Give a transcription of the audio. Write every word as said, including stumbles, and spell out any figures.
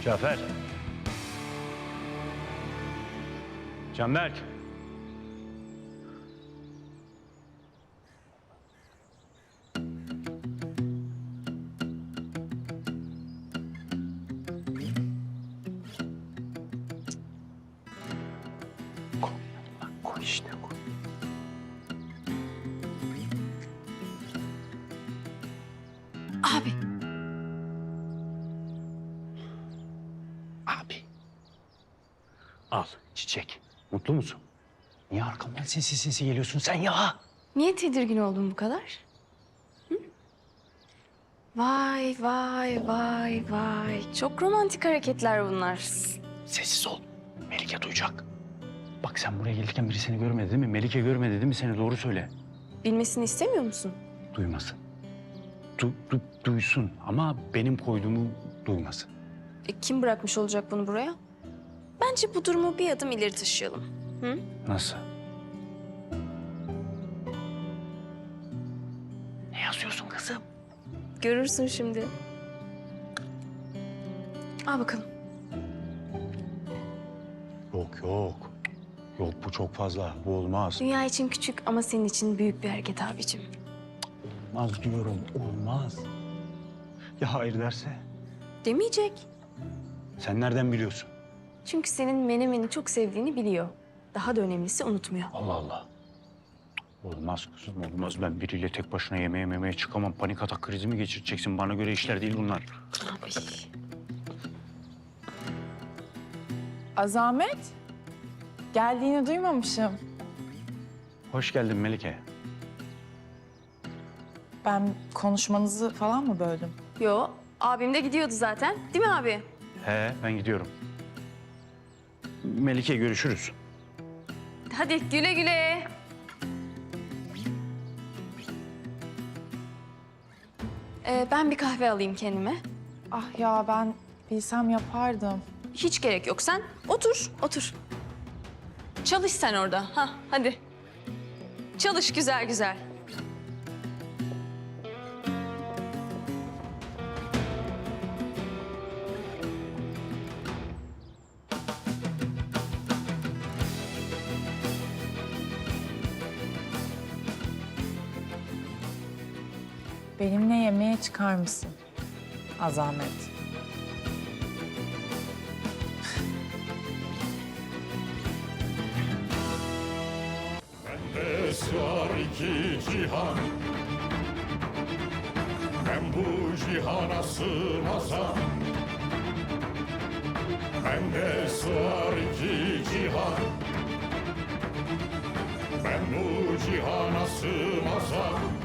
Cafer. Canberk. Koy, koy işte koy. Abi. Abi. Al çiçek. Mutlu musun? Niye arkamdan sinsi sinsi geliyorsun sen ya? Niye tedirgin oldun bu kadar? Hı? Vay vay vay vay. Çok romantik hareketler bunlar. Sessiz ol. Melike duyacak. Bak sen buraya gelirken biri seni görmedi değil mi? Melike görmedi değil mi seni? Doğru söyle. Bilmesini istemiyor musun? Duymasın. Du, du, duysun ama benim koyduğumu duymasın. E, kim bırakmış olacak bunu buraya? Bence bu durumu bir adım ileri taşıyalım. Hı? Nasıl? Ne yazıyorsun kızım? Görürsün şimdi. Al bakalım. Yok yok. Yok bu çok fazla. Bu olmaz. Dünya için küçük ama senin için büyük bir hareket abicim. Olmaz diyorum. Olmaz. Ya hayır derse? Demeyecek. Sen nereden biliyorsun? Çünkü senin menemeni çok sevdiğini biliyor. Daha da önemlisi unutmuyor. Allah Allah. Olmaz kızım olmaz. Ben biriyle tek başına yemeğe memeye çıkamam. Panik atak krizi mi geçireceksin? Bana göre işler değil bunlar. Abi. Azamet, geldiğini duymamışım. Hoş geldin Melike. Ben konuşmanızı falan mı böldüm? Yo, abim de gidiyordu zaten. Değil mi abi? He ben gidiyorum. Melike görüşürüz. Hadi güle güle. Ee, ben bir kahve alayım kendime. Ah ya ben bilsem yapardım. Hiç gerek yok. Sen otur, otur. Çalış sen orada. Ha, hadi. Çalış güzel güzel. Benimle yemeğe çıkar mısın? Azamet. Bende sığar iki cihan, ben bu cihana sığmazam. Bende sığar iki cihan, ben bu cihana sığmazam.